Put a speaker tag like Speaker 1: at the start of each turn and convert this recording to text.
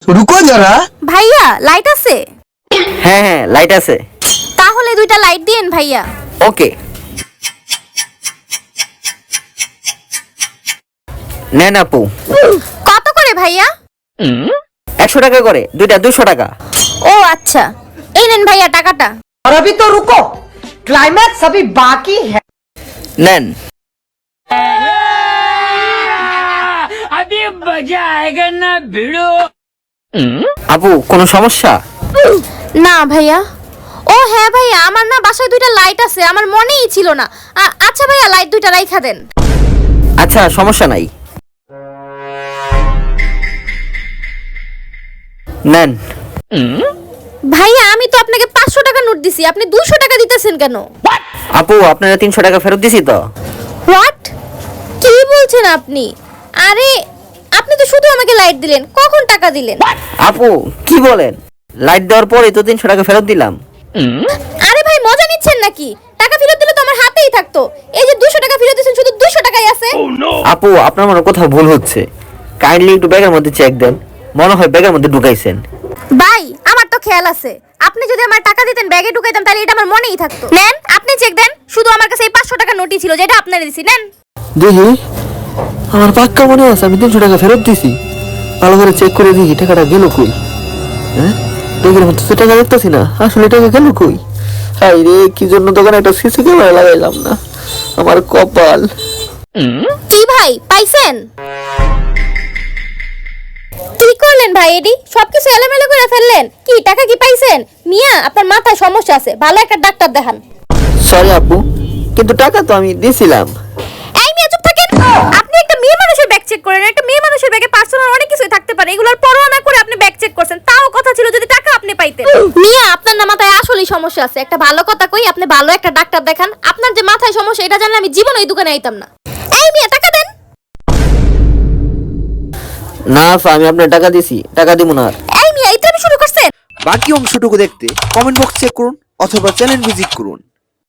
Speaker 1: रुको जरा।
Speaker 2: ভাইয়া লাইট আছে?
Speaker 3: হ্যাঁ হ্যাঁ লাইট আছে।
Speaker 2: তাহলে দুইটা লাইট দিয়েন ভাইয়া।
Speaker 3: ওকে নেন আপু।
Speaker 2: কত করে ভাইয়া?
Speaker 3: 100 টাকা করে, দুইটা 200 টাকা।
Speaker 2: ও আচ্ছা, এই নেন ভাইয়া টাকাটা।
Speaker 4: और अभी तो रुको, क्लाइमैक्स अभी बाकी है।
Speaker 3: নেন।
Speaker 5: अभी मजा आएगा ना भिड़ो।
Speaker 3: আপু কোনো সমস্যা?
Speaker 2: না ভাইয়া। ও হ্যাঁ ভাইয়া, আমার না বাসায় দুইটা লাইট আছে, আমার মনেই ছিল না। আচ্ছা ভাইয়া লাইট দুইটা রাইখা দেন।
Speaker 3: আচ্ছা সমস্যা নাই, নেন।
Speaker 2: ভাইয়া আমি তো আপনাকে 500 টাকা নোট দিছি, আপনি 200 টাকা দিতেছেন কেন?
Speaker 3: আপু আপনারা 300 টাকা ফেরত দিছি তো।
Speaker 2: হোয়াট? কি বলছেন আপনি? আরে আপনি তো শুধু আমাকে লাইট দিলেন, কখন টাকা দিলেন?
Speaker 3: আপু কি বলেন, লাইট দেওয়ার পরে তো 300 টাকা ফেরত দিলাম।
Speaker 2: আরে ভাই মজা নিচ্ছেন নাকি? টাকা ফেরত দিলে তো আমার হাতেই থাকতো। এই যে 200 টাকা ফেরত দিয়েছেন, শুধু 200 টাকাই আছে।
Speaker 3: আপু আপনার মনে হয় কোথাও ভুল হচ্ছে, কাইন্ডলি একটু ব্যাগের মধ্যে চেক দেন, মনে হয় ব্যাগের মধ্যে ঢুকাইছেন।
Speaker 2: ভাই আমার তো খেয়াল আছে, আপনি যদি আমার টাকা দিতেন ব্যাগে ঢুকাইতাম তাহলে এটা আমার মনেই থাকতো। নেন আপনি চেক দেন, শুধু আমার কাছে এই 500 টাকা নোটই ছিল যেটা আপনারে দিছি। নেন।
Speaker 1: দেখি আমার পাক্কা মনে আছে আমি 300 টাকা ফেরত দিছি। ভালো করে চেক করে দেখি টাকাটা গেল কই। হ্যাঁ দেখের মতো তো টাকা দেখতেছি না, আসলে টাকা গেল কই? হাই রে, কি জন্য দোকানে একটা সিসি ক্যামেরা লাগাইলাম না, আমার কপাল।
Speaker 2: কি ভাই পাইছেন? কি করলেন ভাই এডি? সবকিছু এলোমেলো করে ফেললেন। কি টাকা কি পাইছেন? মিয়া আপনার মাথায় সমস্যা আছে, ভালো একটা ডাক্তার দেখান।
Speaker 1: সরি আপু, কিন্তু টাকা তো আমি দিয়েছিলাম।
Speaker 2: এই মিয়া চুপ থাকেন। আপনি একটা মেয়ে মানুষের ব্যাগ চেক করেন, একটা মেয়ে মানুষের ব্যাগে পার্সোনাল অনেক কিছুই থাকতে পারে, এগুলোর পরোয়া না করে আপনি ব্যাগ চেক করছেন। তাও কথা ছিল যদি টাকা আপনি পাইতেন। মিয়া আপনার না মাথায় আসলেই সমস্যা আছে। একটা ভালো কথা কই, আপনি ভালো একটা ডাক্তার দেখান। আপনার যে মাথায় সমস্যা এটা জানলে আমি জীবনে এই দোকানে আইতাম না। এই মিয়া টাকা দেন।
Speaker 3: না আপা, আমি আপনার টাকা দিছি, টাকা দিব না আর।
Speaker 2: এই মিয়া ইত্রামি শুরু করছেন।
Speaker 6: বাকি অংশটুকু দেখতে কমেন্ট বক্স চেক করুন অথবা চ্যানেল ভিজিট করুন।